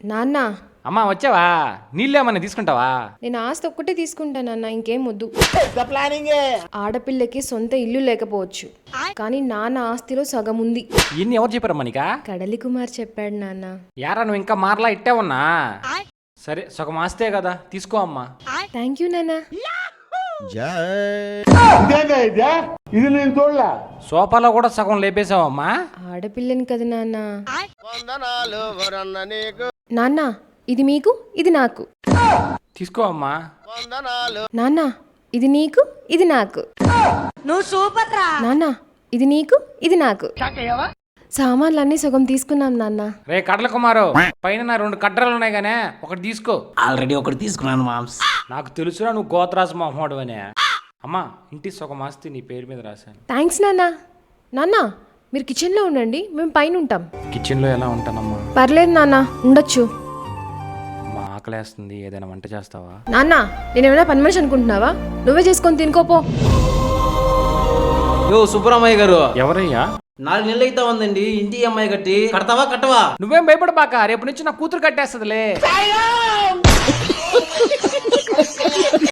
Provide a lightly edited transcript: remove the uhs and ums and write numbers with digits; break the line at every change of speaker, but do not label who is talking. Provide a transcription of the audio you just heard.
నాన్న
అమ్మా వచ్చావా? నీళ్ళేమన్నా తీసుకుంటావా?
నేను ఆస్తి ఒక్కటే తీసుకుంటానన్న, ఇంకేం వద్దు. ఆడపిల్లకి సొంత ఇల్లు లేకపోవచ్చు, కానీ నాన్న ఆస్తిలో సగం ఉంది.
ఇన్ని ఎవరు చెప్పారమ్మా నీకా?
కడలి కుమార్ చెప్పాడు నాన్న.
యారా నువ్వు ఇంకా మారలా ఇట్టే ఉన్నా? సరే సగం ఆస్తే కదా, తీసుకో అమ్మా.
థ్యాంక్ యూ నాన్న.
ఇది నేను చూడలే.
సోఫాలో కూడా సగం లేపేశావమ్మా.
ఆడపిల్లని కదా నాన్న. నాన్న ఇది మీకు, ఇది నాకు.
తీసుకో అమ్మా.
నాన్న ఇది నీకు, ఇది నాకు.
నువ్వు సూపర్ రా
నాన్న ఇది నీకు, ఇది నాకు. సామాన్లన్నీ సగం తీసుకున్నాం నాన్న.
రే కడల కుమారు, పైన నా 2 కడ్డలు ఉన్నాయి గానే, ఒకటి తీసుకో.
ఆల్రెడీ ఒకటి తీసుకున్నాను మామ్స్.
నాకు తెలుసురా నువ్వు గోత్రాసు మొహమ్మడు అనే. అమ్మా ఇంటి సగం ఆస్తి నీ పేరు మీద రాశాను.
థ్యాంక్స్ నాన్న. నాన్న మీరు కిచెన్లో ఉండండి, మేము పైన ఉంటాం.
కిచెన్లో ఎలా ఉంటానమ్మా?
పర్లేదు నాన్న, ఉండొచ్చు.
మా ఆకలేస్తుంది, ఏదైనా వంట చేస్తావా?
నాన్న నేనేమైనా పని మనిషి అనుకుంటున్నావా? నువ్వే చేసుకొని తినుకోపో.
యో సుబ్బరామయ్య గారు,
ఎవరయ్యా?
4 నెలలు అయితే ఉందండి ఇంటి అమ్మాయి కట్టి. కడతావా కట్టవా?
నువ్వేం భయపడబాక, రేపు నుంచి నా కూతురు కట్టేస్తుందిలే.